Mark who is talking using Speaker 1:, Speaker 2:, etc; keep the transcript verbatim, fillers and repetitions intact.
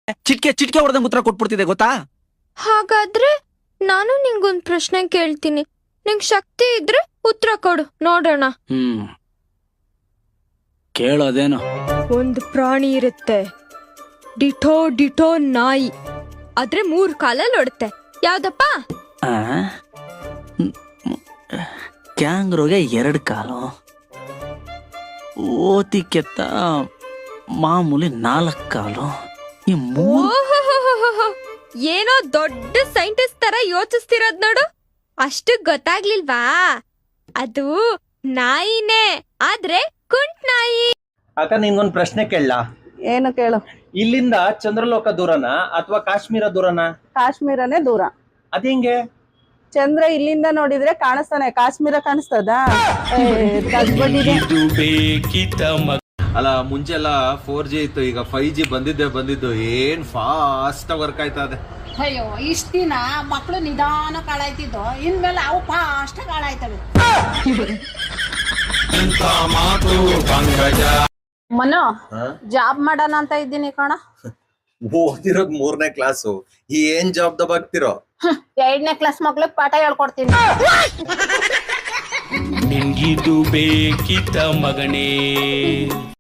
Speaker 1: ಚಿಟ್ಕೆ ಚಿಟ್ಕೆ ಹೊಡೆದಂಗ್ ಉತ್ತರ ಕೊಟ್ಬಿಡ್ತಿದೆ ಗೊತ್ತಾ?
Speaker 2: ಹಾಗಾದ್ರೆ ನಾನು ನಿಂಗೊಂದ್ ಪ್ರಶ್ನೆ ಕೇಳ್ತೀನಿ, ನಿಂಗ್ ಶಕ್ತಿ ಇದ್ರೆ ಉತ್ತರ ಕೊಡು ನೋಡೋಣ.
Speaker 1: ಹ್ಮ್ ಕೇಳೋದೇನು?
Speaker 2: ಒಂದು ಪ್ರಾಣಿ ಇರುತ್ತೆ, ಡಿಟೋ ಡಿಟೋ ನಾಯಿ, ಆದ್ರೆ ಮೂರ್ ಕಾಲಲ್ಲಿ ಓಡುತ್ತೆ, ಯಾವ್ದಪ್ಪ?
Speaker 1: ಕ್ಯಾಂಗ್ರೋಗೆ ಎರಡು ಕಾಲು, ಓತಿ ಕೆತ್ತ ಮಾಮೂಲಿ ನಾಲ್ಕು ಕಾಲು, ಈ ಮೂರು.
Speaker 2: ಓಹೋಹೋಹೋಹೋ, ಏನೋ ದೊಡ್ಡ ಸೈಂಟಿಸ್ಟ್ ತರ ಯೋಚಿಸ್ತಿರೋದ್ ನೋಡು. ಅಷ್ಟು ಗೊತ್ತಾಗ್ಲಿಲ್ವಾ? ಅದು ನಾಯಿನೇ, ಆದ್ರೆ ಕುಂಟ್ ನಾಯಿ.
Speaker 3: ಅಕ್ಕ ನಿನ್ಗೊಂದ್ ಪ್ರಶ್ನೆ ಕೇಳಲಾ?
Speaker 4: ಏನು ಕೇಳು.
Speaker 3: ಇಲ್ಲಿಂದ ಚಂದ್ರಲೋಕ ದೂರನಾ ಅಥವಾ ಕಾಶ್ಮೀರ ದೂರನಾ?
Speaker 4: ಕಾಶ್ಮೀರನೇ ದೂರ.
Speaker 3: ಅದೇಂಗೆ?
Speaker 4: ಚಂದ್ರ ಇಲ್ಲಿಂದ ನೋಡಿದ್ರೆ ಕಾಣಿಸ್ತಾನೆ, ಕಾಶ್ಮೀರ ಕಾಣಿಸ್ತದ?
Speaker 5: ಅಲ್ಲ ಮುಂಚೆ ಎಲ್ಲ ಫೋರ್ ಜಿ ಇತ್ತು, ಈಗ ಫೈವ್ ಜಿ ಬಂದಿದ್ದೆ ಬಂದಿದ್ದು ಏನ್ ಫಾಸ್ಟ್ ವರ್ಕ್ ಆಯ್ತಾ ಇದೆ.
Speaker 6: ಅಯ್ಯೋ ಇಷ್ಟ ದಿನ ಮಕ್ಕಳು ನಿಧಾನ ಕಾಳಾಯ್ತಿದ್ದು, ಇನ್ಮೇಲೆ ಅವು ಫಾಸ್ಟ್ ಕಾಳಾಯ್ತವೆ. ಮನು ಜಾಬ್ ಮಾಡೋಣ ಅಂತ ಇದ್ದೀನಿ ಕಣ.
Speaker 5: ಓದಿರೋದ್ ಮೂರನೇ ಕ್ಲಾಸು, ಏನ್ ಜಾಬ್ ದಬಾಗ್ತಿರೋ?
Speaker 6: ಎರಡನೇ ಕ್ಲಾಸ್ ಮಕ್ಳಿಗೆ ಪಾಠ ಹೇಳ್ಕೊಡ್ತೀನಿ.
Speaker 7: ನಿನ್ಗಿದು ಬೇಕಿತ್ತ ಮಗನೇ?